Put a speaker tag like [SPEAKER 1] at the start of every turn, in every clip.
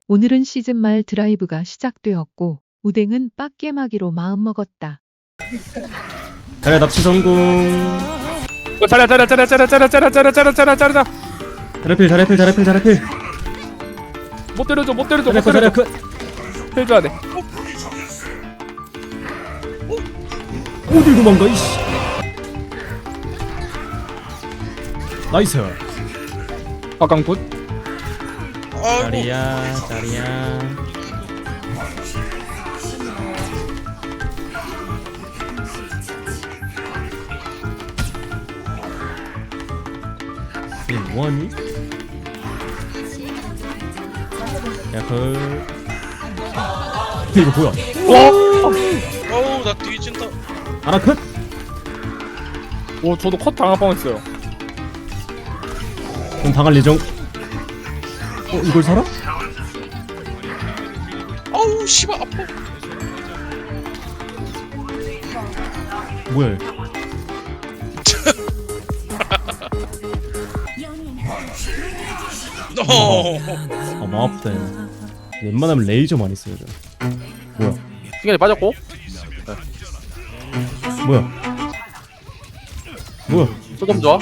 [SPEAKER 1] 오늘은 시즌 말 드라이브가 시작되었고 우댕은 빡겜하기로 마음먹었다.
[SPEAKER 2] 자리야 납치 성공.
[SPEAKER 3] 짜라
[SPEAKER 2] 자리필.
[SPEAKER 3] 못 때려줘
[SPEAKER 2] 자리야 컷.
[SPEAKER 3] 해줘야 돼.
[SPEAKER 2] 어딜 도망가 이씨. 나이스.
[SPEAKER 3] 박강굿.
[SPEAKER 2] 자리야. 얘 뭐하니? 야 이거 뭐야?
[SPEAKER 4] 어우 나 뒤진다.
[SPEAKER 2] 아나 컷.
[SPEAKER 3] 오 저도 컷 당할 뻔했어요.
[SPEAKER 2] 그럼 당할 예정. 이걸 살아?
[SPEAKER 4] 어우 씨발 아파.
[SPEAKER 2] 뭐야? 아 마법대. 웬만하면 레이저 많이 써요 저. 뭐야?
[SPEAKER 3] 시간이 빠졌고.
[SPEAKER 2] 뭐야?
[SPEAKER 3] 조금 좋아.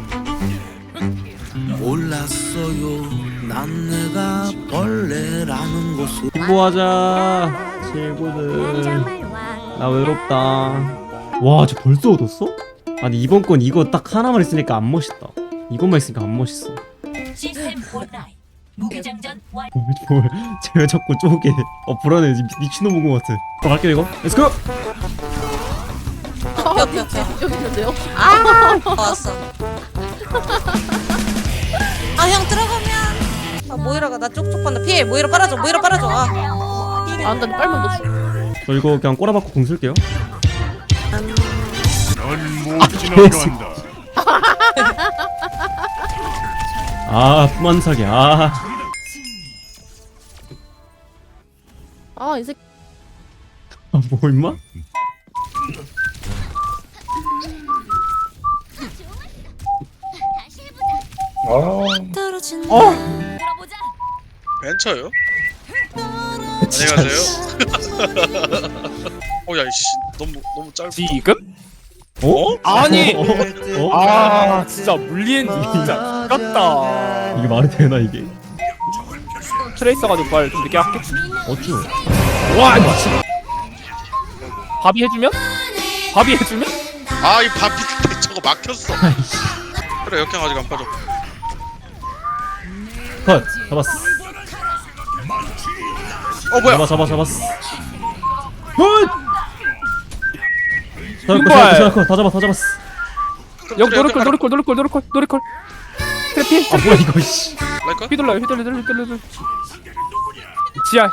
[SPEAKER 5] 몰랐어요 난 내가 벌레라는 것을
[SPEAKER 2] 행보하자 친구들. 나 외롭다. 와 저 벌써 얻었어? 아니 이번 건 이거 딱 하나만 있으니까 안 멋있다. 이것만 있으니까 안 멋있어.
[SPEAKER 6] 시스템 온라인 무기장전 완.
[SPEAKER 2] 제가 자꾸 쪼개. 불안해. 미친놈 온 것 같아. 갈게요 이거. 렛츠고.
[SPEAKER 7] 여기 있는데요? 아 왔어. 아 형 들어가면 아 모이라가 나 쪽쪽 봤나 피해. 모이라 빨아줘. 아
[SPEAKER 6] 안돼 빨면 너 죽.
[SPEAKER 2] 저 이거 그냥 꼬라박고 공 쓸게요.
[SPEAKER 8] 넌못 지나간다.
[SPEAKER 2] 부만사기.
[SPEAKER 6] 아이 새끼
[SPEAKER 2] 뭐 임마?
[SPEAKER 7] 떨어진
[SPEAKER 6] 들어보자.
[SPEAKER 4] 벤처요? 안녕하세요. 어야이씨 너무 짧다.
[SPEAKER 3] 지금?
[SPEAKER 2] 어?
[SPEAKER 3] 아니.
[SPEAKER 2] 어?
[SPEAKER 3] 아 진짜 물리엔지 진짜 깠다.
[SPEAKER 2] 이게 말이 되나 이게?
[SPEAKER 3] 트레이서 가지고 빨리 좀 늦게 할게.
[SPEAKER 2] 어쭈?
[SPEAKER 3] 와 이거 밥이 해주면?
[SPEAKER 4] 아이 바비 저거 막혔어. 그래 역행 아직 안 빠져.
[SPEAKER 2] 컷. 잡았어.
[SPEAKER 4] 뭐야?
[SPEAKER 2] 잡았어. 컷.
[SPEAKER 3] 빈발.
[SPEAKER 2] 다 잡았어.
[SPEAKER 3] 여기 노리콜. 트래피.
[SPEAKER 2] 뭐야 이거 씨.
[SPEAKER 4] 라이카?
[SPEAKER 3] 휘둘러요. 지하.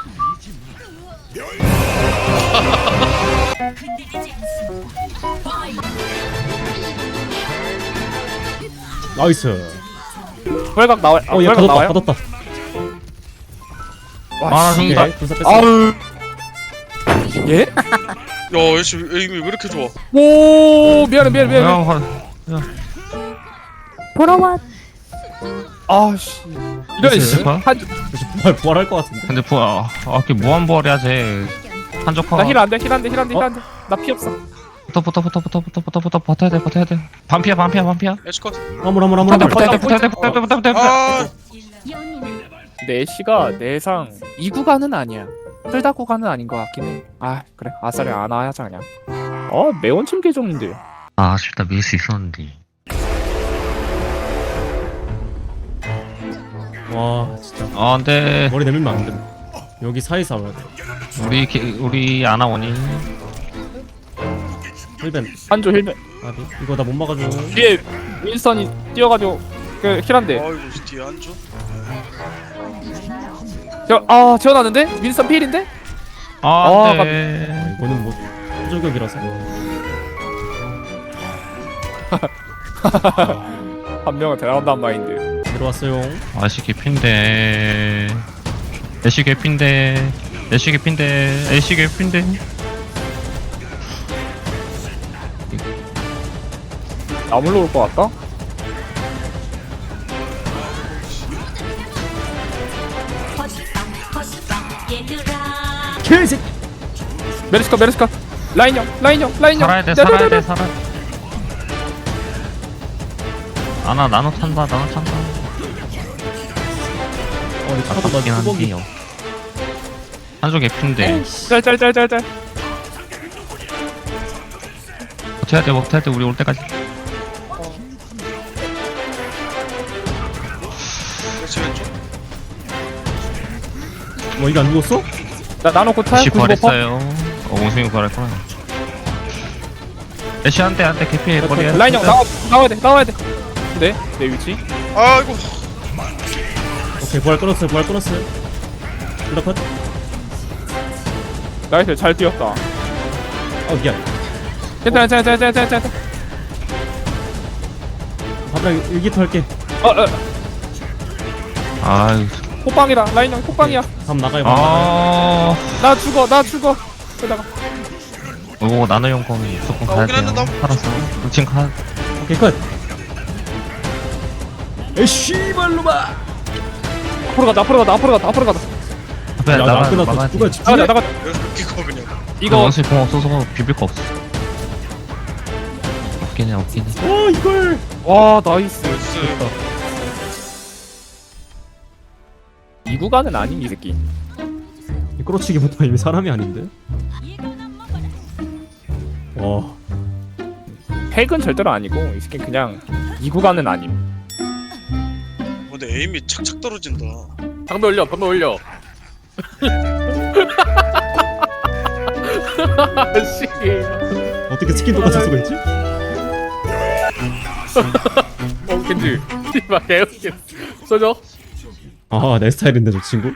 [SPEAKER 2] 나이스.
[SPEAKER 3] 벌각 나와요.
[SPEAKER 2] 얘
[SPEAKER 3] 벌각 나와요.
[SPEAKER 2] 받았다.
[SPEAKER 3] 와 씨.
[SPEAKER 2] 오케이. 불사 뺐어.
[SPEAKER 3] 아우. 예?
[SPEAKER 4] 야 애쉬 에임이 왜 이렇게 좋아?
[SPEAKER 3] 오 미안해.
[SPEAKER 6] 돌아와.
[SPEAKER 3] 아씨. 이런 씨.
[SPEAKER 2] 부활할 것 같은데.
[SPEAKER 8] 근데 이렇게 무한벌해야지. 한적화.
[SPEAKER 3] 나 힐 안돼. 나 피 없어.
[SPEAKER 8] 붙어 버텨야 돼. 반피야.
[SPEAKER 4] 애쉬 컷.
[SPEAKER 2] 화물.
[SPEAKER 8] 붙어야 돼.
[SPEAKER 4] 아
[SPEAKER 3] 근데 애쉬가 내상 2구간은 아니야. 풀다 구간은 아닌 것 같긴 해. 아 그래 아싸리 안 와야자 그냥. 매운침 계정인데.
[SPEAKER 8] 아쉽다 밀 수 있었는데.
[SPEAKER 2] 와 진짜.
[SPEAKER 8] 근데
[SPEAKER 2] 머리 내밀면 안 돼. 여기 사이 싸워야 돼.
[SPEAKER 8] 우리 안 나오니?
[SPEAKER 2] 힐벤.
[SPEAKER 3] 한조 힐맨.
[SPEAKER 2] 이거 나 못 막아줘.
[SPEAKER 3] 뒤에 윈스턴이 뛰어가지고 그 힐한데.
[SPEAKER 4] 아이고 뒤에 앉아.
[SPEAKER 3] 지원하는데? 윈스턴 필인데?
[SPEAKER 8] 안돼.
[SPEAKER 2] 이거는 뭐 저격이라서.
[SPEAKER 3] 한 명은 데려간단 마인드.
[SPEAKER 2] 들어왔어요.
[SPEAKER 8] 애쉬 개핀데.
[SPEAKER 3] 나물로 올 것 같다?
[SPEAKER 6] 얘들아
[SPEAKER 2] 개새끼.
[SPEAKER 3] 메르시카 라인형
[SPEAKER 8] 살아야 돼 살아야 돼 살아. 아나 나노 찬다 나노 찬다. 아깝긴 한데요. 한쪽 개핀데
[SPEAKER 3] 짤
[SPEAKER 8] 버텨야 돼 우리 올 때까지.
[SPEAKER 4] 그렇지 왼쪽.
[SPEAKER 2] 뭐 이거 안 죽었어?
[SPEAKER 3] 나 나노 고타야
[SPEAKER 8] 애쉬
[SPEAKER 3] 95%.
[SPEAKER 8] 부활했어요. 원숭이 부활했구나. 애쉬 한대 개피 머리에.
[SPEAKER 3] 라인형 나와야 돼 네? 내 위치?
[SPEAKER 4] 아이고.
[SPEAKER 2] 오케이 부활 끊었어요. 둘다 컷.
[SPEAKER 3] 나이스 잘 뛰었다.
[SPEAKER 2] 미안.
[SPEAKER 3] 괜찮아
[SPEAKER 2] 밥이랑 일기토 할게.
[SPEAKER 8] 아유.
[SPEAKER 3] 호빵이다 라인형 호빵이야.
[SPEAKER 2] 밥 나가요.
[SPEAKER 3] 나 죽어 그러다가
[SPEAKER 8] 오 나노 용검이 무조건 가야
[SPEAKER 4] 오긴
[SPEAKER 8] 돼요.
[SPEAKER 4] 했는데
[SPEAKER 8] 살았어. 지금 가.
[SPEAKER 2] 오케이 컷. 에이씨 발로마.
[SPEAKER 3] 앞으로 가자
[SPEAKER 8] 앞에
[SPEAKER 2] 야, 나
[SPEAKER 8] 나가
[SPEAKER 2] 끝났어.
[SPEAKER 8] 막아야
[SPEAKER 2] 누가
[SPEAKER 8] 돼.
[SPEAKER 2] 집중해?
[SPEAKER 3] 나가
[SPEAKER 4] 여기서 웃기고 그냥.
[SPEAKER 3] 이거
[SPEAKER 8] 원숭이 공 없어서 비빌 거 없어. 없긴 해.
[SPEAKER 2] 이걸.
[SPEAKER 3] 와 나이스.
[SPEAKER 4] 나이스.
[SPEAKER 3] 이 구간은 아닌 이 새끼.
[SPEAKER 2] 이 끌어치기부터 이미 사람이 아닌데. 와.
[SPEAKER 3] 핵은 절대로 아니고 이 새끼 그냥 이 구간은 아님.
[SPEAKER 4] 근데 에임이 착착 떨어진다.
[SPEAKER 3] 방배 올려 씨.
[SPEAKER 2] 어떻게 스킨 똑같을 수가 있지?
[SPEAKER 3] 겐지 씨발 개웃겨. 써줘.
[SPEAKER 2] 내 스타일인데 저 친구.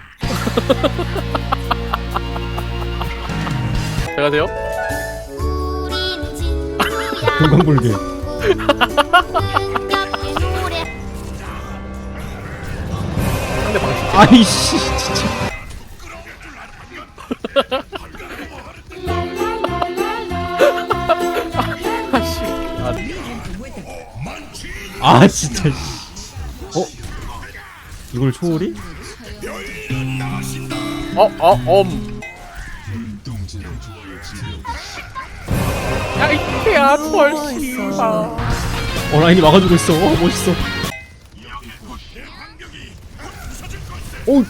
[SPEAKER 3] 제가세요?
[SPEAKER 2] 금강불개.
[SPEAKER 3] 상대 방식.
[SPEAKER 2] 아이씨 진짜. 진짜. 이걸 초월이?
[SPEAKER 3] 야 이케야 펄씨가.
[SPEAKER 2] 라인이 막아주고 있어. 멋있어. 오.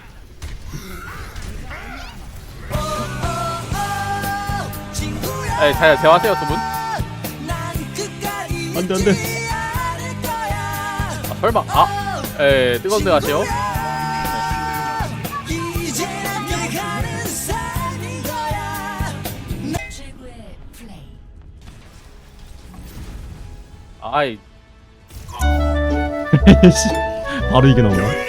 [SPEAKER 3] 에이 자야 대화하세요 두 분.
[SPEAKER 2] 안돼.
[SPEAKER 3] 설마 뜨거운 데 가시오.
[SPEAKER 6] 최고의 플레이
[SPEAKER 3] 아이
[SPEAKER 2] 바로 이게 나오네.